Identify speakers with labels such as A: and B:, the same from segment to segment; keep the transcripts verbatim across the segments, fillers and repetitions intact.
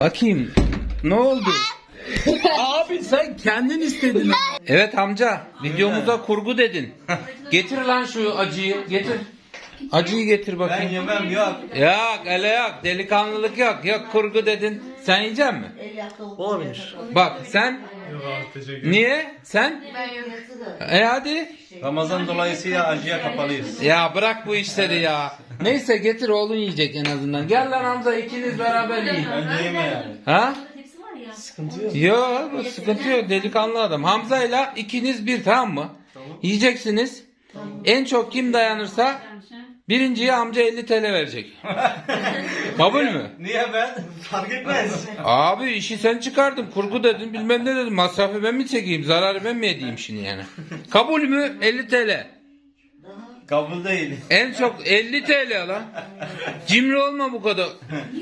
A: Bakayım. Ne oldu? Abi sen kendin istedin. Evet amca, videomuza kurgu dedin. Getir lan şu acıyı, getir. Acıyı getir
B: Ben
A: bakayım.
B: yemem yok.
A: Yok, öyle yok. Delikanlılık yok. Yok kurgu dedin. Sen yiyecek misin?
C: Olabilir.
A: Bak sen
B: Yok abi teşekkür ederim.
A: niye? Sen? E hadi.
B: Ramazan dolayısıyla acıya kapalıyız.
A: Ya bırak bu işleri ya. Neyse getir oğlun yiyecek en azından. Gel lan Hamza ikiniz beraber yiyin.
B: Ben yeme yani.
A: Ha?
C: Sıkıntı yok.
A: Yok sıkıntı yok delikanlı adam. Hamza'yla ikiniz bir tamam mı? Yiyeceksiniz. En çok kim dayanırsa birinciye amca elli T L verecek. Kabul mü?
B: Niye ben?
C: Fark etmez.
A: Abi işi sen çıkardın. Kurgu dedin bilmem ne dedin. Masrafı ben mi çekeyim? Zararı ben mi edeyim şimdi yani? Kabul mü? elli T L.
B: Kabul değil.
A: En çok elli T L lan. Cimri olma bu kadar.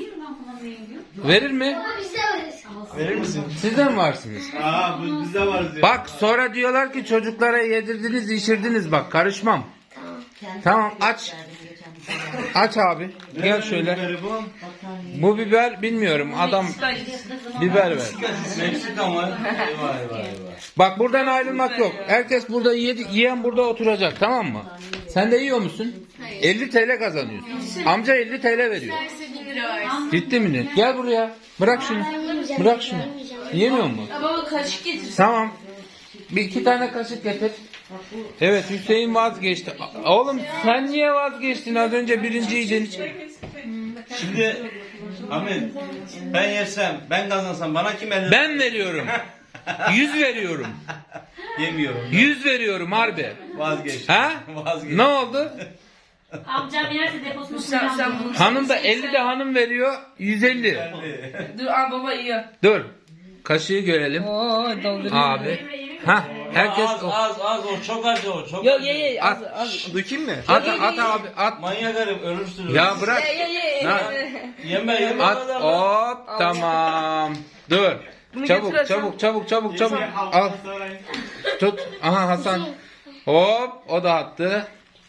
A: Verir mi?
C: Verir misin?
A: Siz de mi varsınız?
B: Aa bu bizde var diyor.
A: Bak sonra diyorlar ki çocuklara yedirdiniz, içirdiniz bak karışmam. Tamam aç. Aç abi. Gel şöyle.
B: Biberi bu.
A: Bu biber bilmiyorum adam biber ver.
B: Meksika mı? Eyvah eyvah eyvah.
A: Bak buradan ayrılmak yok. Herkes burada yedi, yiyen burada oturacak tamam mı? Sen de yiyor musun? elli T L kazanıyorsun. Amca elli T L veriyor. Ciddi mi? Gel buraya. Bırak şunu. Bırak şunu. Yemiyor mu?
D: Baba kaşık getir.
A: Tamam. Bir iki tane kaşık getir. Evet Hüseyin vazgeçti. A- Oğlum sen niye vazgeçtin? Az önce birinciydin.
B: Şimdi Ahmet ben yersem ben kazansam bana kim elini
A: Ben veriyorum. Yüz veriyorum.
B: yemiyorum.
A: Yüz veriyorum harbi.
B: Vazgeç.
A: Ha?
B: Vazgeç.
A: Ne oldu?
D: Amcam yerse deposunu
E: Sen, sen bunu...
A: Hanım da elli de hanım veriyor. yüz elli.
E: Dur aa, baba yiyor.
A: Dur. Kaşığı görelim.
E: Oo dolduruyor.
A: Abi. Ha, herkes
B: az az az o çok acı o çok
E: Yok
B: acı.
E: ye ye az
A: At.
E: az.
C: Dökeyim mi?
A: at at abi at.
B: Manyak herif ölürsün.
A: Ya bırak.
E: Ye ye ye.
A: Ha.
B: Yeme yeme.
A: At. Hop tamam. Dur.
E: Bunu
A: Çabuk
E: getir
A: çabuk çabuk çabuk çabuk. Al. Tut. Aha Hasan. Hop o da attı.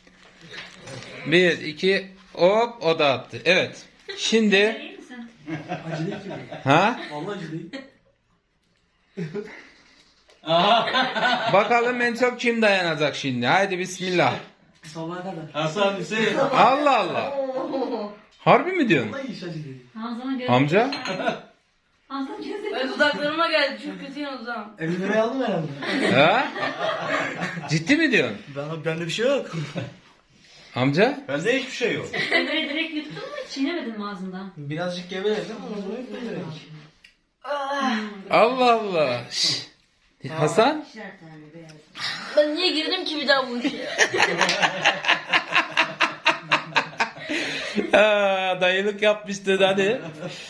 A: Bir iki hop o da attı. Evet. Şimdi
D: İyi misin?
C: Acı değil ki.
A: ha?
C: Vallahi acı değil.
A: Bakalım en çok kim dayanacak şimdi. Haydi bismillah.
C: Sabaha kadar.
B: Hasan Hüseyin.
A: Allah Allah. Harbi mi diyorsun?
C: Vallahi hiç acı değil.
D: Hamza'nın gözü.
A: Amca?
D: Hamza'nın gözü.
E: Ay, dudaklarıma geldi çok kötü yalnız ha.
C: elli liraya aldım herhalde.
A: Ha? Ciddi mi diyorsun?
C: Ben, bende bir şey yok.
A: Amca?
B: Bende hiçbir şey yok.
D: Sen böyle direkt yuttun mu? Çiğnemedin mi ağzından?
C: Birazcık geveledim ama sonra hep böyle.
A: Allah Allah. Şşş. Hasan?
E: Ben niye girdim ki bir daha bu işe?
A: Aa, dayılık yapmıştı hadi.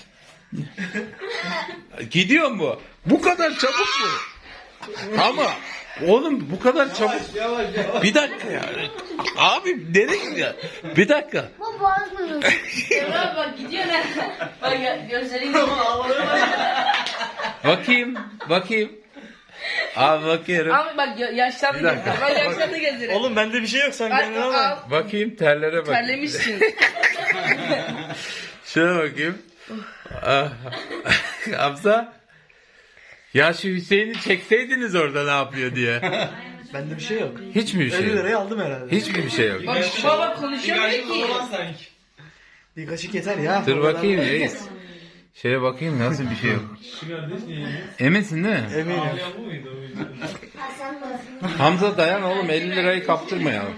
A: Gidiyor mu? Bu kadar çabuk mu? Ama oğlum bu kadar çabuk.
B: Yavaş yavaş.
A: Bir dakika ya. Abi nereye gidiyor? Bir dakika.
E: Emrah bak gidiyor ne? Bak ya, gözlerin gibi.
A: Bakayım. Bakayım. Abi bakıyorum.
E: Ama bak ya- yaşlandı
A: Bir dakika.
E: gözlerim. Bak yaşlandı gözlerim.
C: Oğlum bende bir şey yok sen
E: Bak,
C: kendine bak.
E: al,
A: Bakayım terlere bak.
E: terlemişsin.
A: Şuna bakayım. Ah. Hamza. Ya şu Hüseyin'i çekseydiniz orada ne yapıyor diye.
C: Bende bir şey yok.
A: Hiç mi bir şey
C: elli
A: yok?
C: liraya aldım herhalde.
A: Hiç mi bir şey yok?
E: Bak baba konuşamıyor ki.
C: Bir kaşık yeter ya.
A: Dur bakayım reis. Şeye bakayım nasıl bir şey yok. Eminsin değil mi?
C: Eminim.
A: Hamza dayan oğlum elli lirayı kaptırmayalım.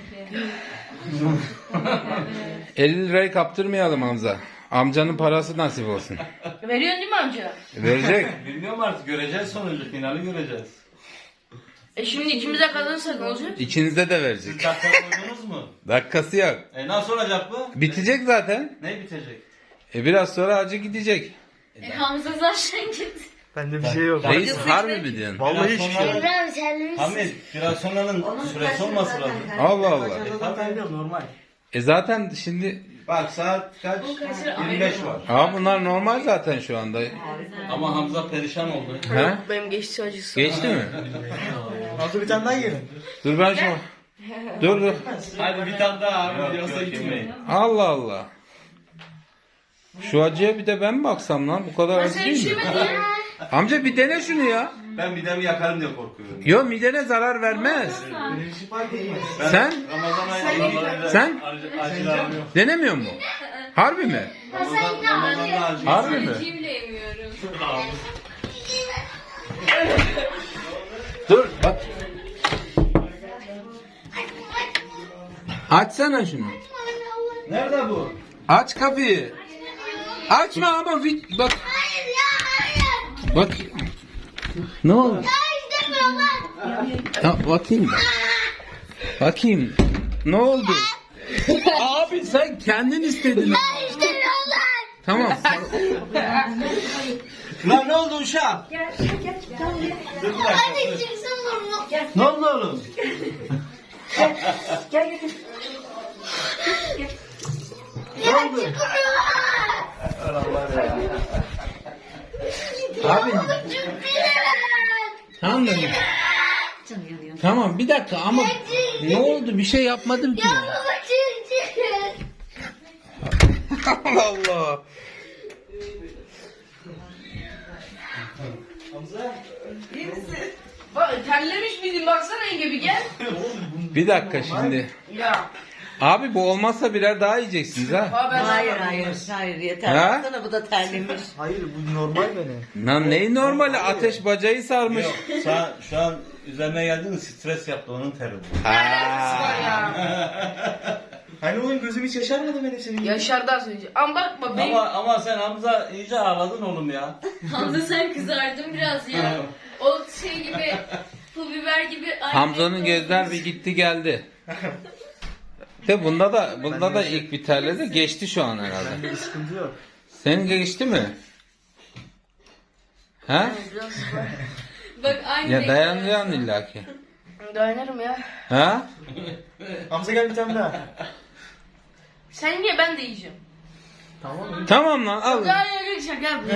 A: elli lirayı kaptırmayalım Hamza. Amcanın parası nasip olsun.
E: Veriyorsun değil mi amca?
A: Verecek.
B: Bilmiyorum artık göreceğiz sonucu finali göreceğiz.
E: E şimdi ikimize kazanırsak ne olacak?
A: İkinize de verecek.
B: Siz dakika koydunuz mu?
A: Dakikası yok.
B: E nasıl olacak bu?
A: Bitecek zaten.
B: Ne bitecek?
A: E biraz sonra acı gidecek.
D: E, Hamza zaten gitti.
C: Bende bir şey yok.
A: Reis harbi mi diyorsun?
C: Vallahi
B: Biraz
C: hiçbir şey yok.
B: sonra- Hamit biraz sonranın süresi olması lazım.
A: Allah Allah.
C: Zaten biliyorum normal.
A: E zaten şimdi
B: Bak saat kaç? yirmi beş var.
A: Aa bunlar normal zaten şu anda.
B: Ama Hamza perişan oldu.
A: He?
E: Benim geçti acısı.
A: Geçti mi?
C: Altı bir tane daha yiyelim.
A: Dur ben şu. Dur dur.
B: Hadi bir tane daha abi. Yoksa gitmeyin.
A: Allah Allah. Şu acıya bir de ben mi baksam lan? Bu kadar acı
E: Sen
A: değil mi?
E: üşümedin ya.
A: Amca bir dene şunu ya.
B: Ben midemi yakarım diye korkuyorum.
A: Yo midene zarar vermez.
C: Benim için fark etmez.
B: Ben
A: Sen?
B: Ramazan ayında
A: Sen?
B: acı, acılarım yok.
A: Denemiyor mu? Harbi mi?
B: Ramazan, Ramazan'da acı.
A: Harbi mi?
E: Acıyı bile yemiyorum.
A: Dur bak. Açsana şunu.
B: Nerede bu?
A: Aç kapıyı. Açma ama vi- bak.
F: Hayır ya hayır.
A: Bak. Ne oldu?
F: Ya istemiyorum lan.
A: Ya, bakayım. Bakayım. Ne oldu? Abi sen kendin istedin.
F: Ya istemiyorum lan.
A: Tamam.
C: Lan ne oldu uşağım?
F: Hadi çıksın burnu.
C: Ne oldu oğlum?
F: Ya çıkmıyor.
A: Abi
F: Çıkmıyor.
A: tamam da. Tamam bir dakika ama ne oldu? Bir şey yapmadım ki.
F: Ya
A: ya.
F: baba çık çık.
A: Allah Allah.
E: Bak terlemiş miydin baksana yenge bir gel.
A: Bir dakika şimdi.
E: Ya.
A: Abi bu olmazsa birer daha yiyeceksiniz ha.
E: Aa, ben
G: Hayır hayır hayır yeter.
A: Ha?
G: Baksana bu da terlemiş.
C: Hayır bu normal benim.
A: Lan neyi normali? Ateş bacayı sarmış.
B: Yok, sen şu an üzerine geldin stres yaptı onun teri.
C: Hani oğlum gözüm hiç yaşarmadı benim senin.
E: Yaşar daha söyleyeceğim. Ama bak bak benim.
B: Ama ama sen Hamza iyice ağladın oğlum ya.
D: Hamza sen kızardın biraz ya. O şey gibi, pul biber gibi. aynı
A: Hamza'nın
D: renk
A: gözler
D: olmuş.
A: bir gitti geldi. De bunda da bunda da ilk bir terledi geçti şu an herhalde.
C: Bende bir sıkıntı yok.
A: Senin geçti mi? Ha?
D: Bak aynı
A: Ya
D: renk
A: dayanacaksın
D: olmuş.
A: illaki.
E: Dayanırım ya.
A: Ha?
C: Hamza gel bir tane daha.
E: Sen niye ben de yiyeceğim.
C: Tamam mı?
A: Tamam lan al.
E: Ya ya ya şaka yapma.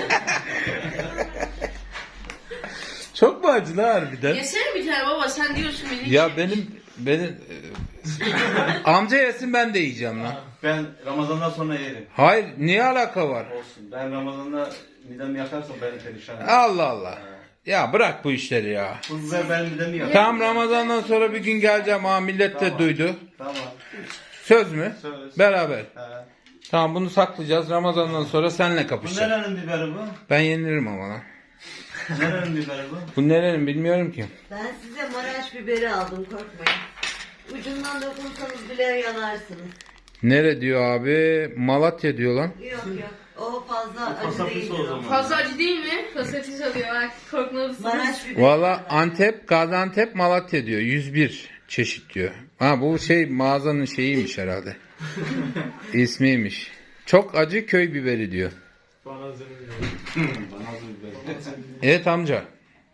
A: Çok mu acı lan harbiden?
E: Yesene bir tane baba sen diyorsun beni.
A: Ya benim benim e, amca yesin ben de yiyeceğim lan.
B: Ben Ramazan'dan sonra yerim.
A: Hayır niye alaka var?
B: Olsun. Ben Ramazan'da midemi yakarsam beni perişan eder.
A: Allah Allah. Ya bırak bu işleri ya.
B: Bu biber benim midemi yakar.
A: Tam Ramazan'dan sonra bir gün geleceğim ha millet de
B: Tamam.
A: duydu.
B: Tamam.
A: Söz mü?
B: Söz.
A: Beraber.
B: He.
A: Tamam bunu saklayacağız. Ramazan'dan sonra seninle
B: Bu
A: kapışacağız.
B: nerenin biberi bu?
A: Ben yenilirim ama lan.
B: Nerenin biberi bu?
A: Bu nerenin bilmiyorum ki.
G: Ben size Maraş biberi aldım korkmayın. Ucundan dokunsanız bile yanarsınız.
A: Nere diyor abi? Malatya diyor lan.
G: Yok yok. O fazla acı
B: Fasafisi
G: değildir
B: o
G: o.
B: zaman.
E: Fazla acı değil mi? Fasafiz oluyor bak korkmalısınız.
G: Maraş biberi.
A: Valla Antep, Gaziantep, Malatya diyor. yüz bir çeşit diyor. Ha bu şey mağazanın şeyiymiş herhalde. İsmiymiş. Çok acı köy biberi diyor.
B: Bana hazır biberi.
A: Evet amca.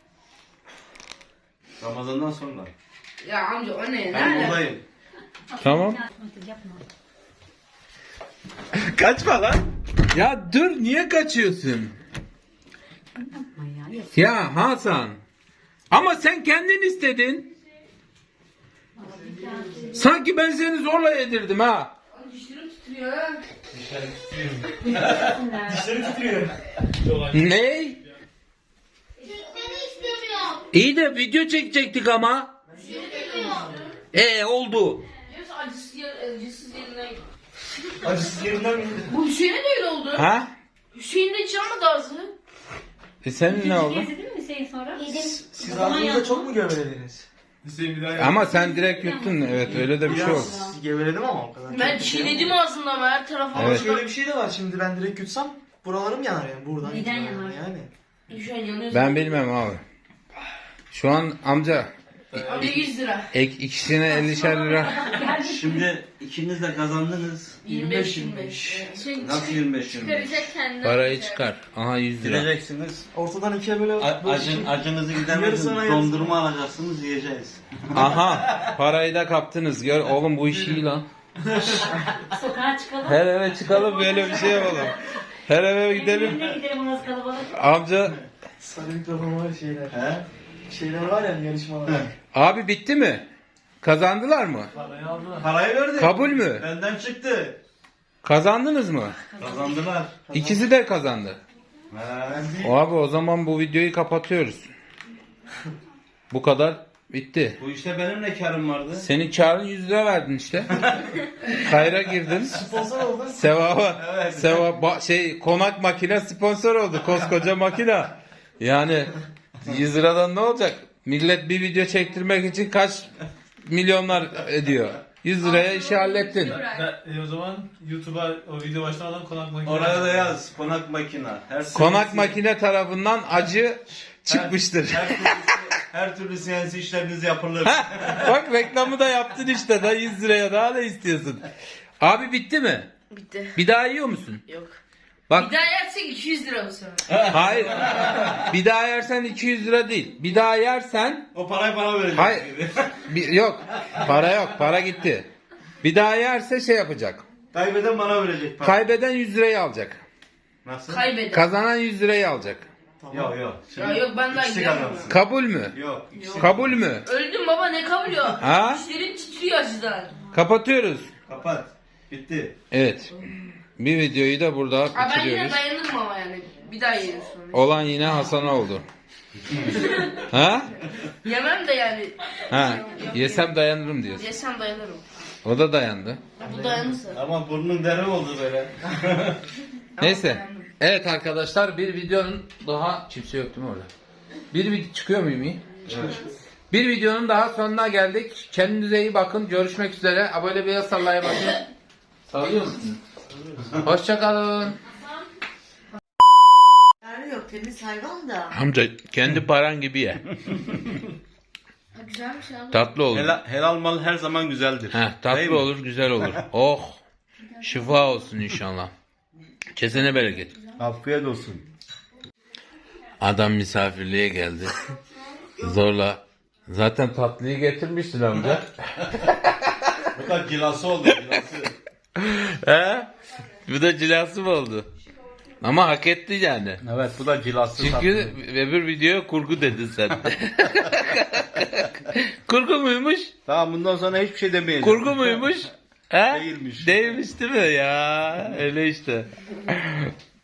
B: Ramazan'dan sonra.
E: Ya amca o ne?
B: Ben
E: Nerede?
B: buradayım.
A: Tamam.
D: Yapma.
A: Kaçma lan. Ya dur niye kaçıyorsun? Ya Hasan. Ama sen kendin istedin. Sanki ben seni zorla yedirdim ha.
E: Dişlerim titriyor ha.
C: Dişleri titriyor.
A: Ne?
F: Çıkmanı istemiyorum.
A: İyi de video çekecektik ama. E oldu.
E: Diyorsa acısız, yer, acısız yerinden.
C: Acısız yerinden mi?
E: Bu Hüseyin'e de öyle oldu.
A: Ha?
E: Hüseyin de hiç almadı ağzı.
A: E senin ne oldu?
D: Gezdirdin mi Hüseyin sonra?
C: Siz ağzınızda çok mu gevelediniz?
A: Ama sen direkt yuttun. Evet öyle de bir şey oldu.
C: Biraz geveledim ama o kadar.
E: Ben
C: Çok bir şey yok.
E: çiğnedim ağzımda ama her tarafa.
A: Evet.
C: Şöyle bir şey de var şimdi ben direkt yutsam buralarım yanar yani buradan.
D: Neden
C: itibaren
D: yanar?
C: Yani.
E: Hüseyin yanıyorsun.
A: Ben bilmem abi. Şu an amca
E: Amca yüz lira.
A: ek, ikisine ellişer lira.
B: Şimdi ikiniz de kazandınız.
E: yirmi beş yirmi beş.
D: Şey,
B: Nasıl yirmi beş yirmi beş?
D: çıkaracak kendine.
A: Parayı çıkar. Aha yüz lira.
B: Gireceksiniz.
C: Ortadan ikiye böyle...
B: A-
C: böyle
B: acın,
C: şey-
B: acınızı
C: Yarısına
B: gidermediniz.
C: yarısına.
B: Dondurma alacaksınız yiyeceğiz.
A: Aha parayı da kaptınız. Gör oğlum bu iş iyi lan.
D: Sokağa çıkalım.
A: Her eve çıkalım böyle bir şey yapalım. Her eve gidelim.
D: Evine gidelim orası kalabalık.
A: Amca
C: Sarı mikrofon var şeyler.
B: He?
C: Şeyler var ya yarışmalar.
A: abi bitti mi? Kazandılar mı?
C: Parayı aldılar.
B: Parayı verdim.
A: Kabul mü?
B: Benden çıktı.
A: Kazandınız mı?
B: Kazandılar.
A: İkisi de kazandı.
B: He.
A: Abi o zaman bu videoyu kapatıyoruz. Bu kadar bitti.
B: Bu işte benim ne karım vardı?
A: Senin karın yüz lira verdin işte. Kayra girdin.
C: Sponsor oldun.
A: Sevaba,
B: Evet.
A: sevap, ba- şey konak makine sponsor oldu. Koskoca makine. Yani yüz liradan ne olacak? Millet bir video çektirmek için kaç milyonlar ediyor. yüz liraya işi hallettin.
H: Ben, e, o zaman YouTube'a o video başlamadan konak makinesi.
B: Oraya da yaz. Konak makina. Her
A: Konak
B: serisi-
A: makine tarafından acı çıkmıştır.
B: Her, her türlü, her türlü C N C işleriniz yapılır.
A: Bak reklamı da yaptın işte da yüz liraya daha ne istiyorsun? Abi bitti mi?
E: Bitti.
A: Bir daha yiyor musun?
E: Yok.
A: Bak
E: Bir daha yersek iki yüz lira bu sefer.
A: hayır. Bir daha yersen iki yüz lira değil. Bir daha yersen
B: O parayı bana verecek.
A: hayır. Bir, yok. Para yok. Para gitti. Bir daha yerse şey yapacak.
B: Kaybeden bana verecek para.
A: Kaybeden yüz lirayı alacak.
B: Nasıl?
E: Kaybeder.
A: Kazanan yüz lirayı alacak.
B: Yok yok.
E: Ya yok, ben daha
B: İkisi
E: gidemiyorum.
B: kazansın.
A: Kabul mü?
B: Yok. ikisi-
A: Kabul mü?
E: Öldüm baba, ne kabul yok.
A: Ha?
E: Dişlerim titriyor acıdan.
A: Kapatıyoruz.
B: Kapat. Bitti.
A: Evet. Bir videoyu da burada
E: Ha, ben yine
A: bitiriyoruz.
E: dayanırım ama yani. Bir daha yerim sonra.
A: Olan yine Hasan oldu. Ha?
E: Yemem de yani.
A: Ha. Yesem dayanırım diyorsun.
E: Yesem dayanırım.
A: O da dayandı.
E: Bu dayanırsa.
B: Ama burnun derin oldu böyle.
A: Neyse. Evet arkadaşlar bir videonun daha kimse yok değil mi orada? Bir video çıkıyor muyum iyi? Bir videonun daha sonuna geldik. Kendinize iyi bakın. Görüşmek üzere. Abone bir sallaya bakın. Sallıyor musun? Hoşçakalın.
G: Yani yok temiz hayvan da.
A: Amca kendi paran gibi ye.
D: Ha, güzelmiş abi.
A: Tatlı olur.
B: Helal, helal mal her zaman güzeldir.
A: Heh,
B: Değil
A: tatlı
B: mi?
A: olur, güzel olur. Oh. Şifa olsun inşallah. Kesene bereket.
B: Afiyet olsun.
A: Adam misafirliğe geldi. Zorla. Zaten tatlıyı getirmiştin amca.
B: Bu da cilası oldu cilası.
A: He? Bu da cilası mı oldu? Ama hak etti yani.
B: Evet bu da cilası.
A: Çünkü öbür videoya kurgu dedin sen. Kurgu muymuş?
B: Tamam bundan sonra hiçbir şey demeyeceğim.
A: Kurgu muymuş? He?
B: Değilmiş.
A: Değilmiş değil mi ya? Öyle işte.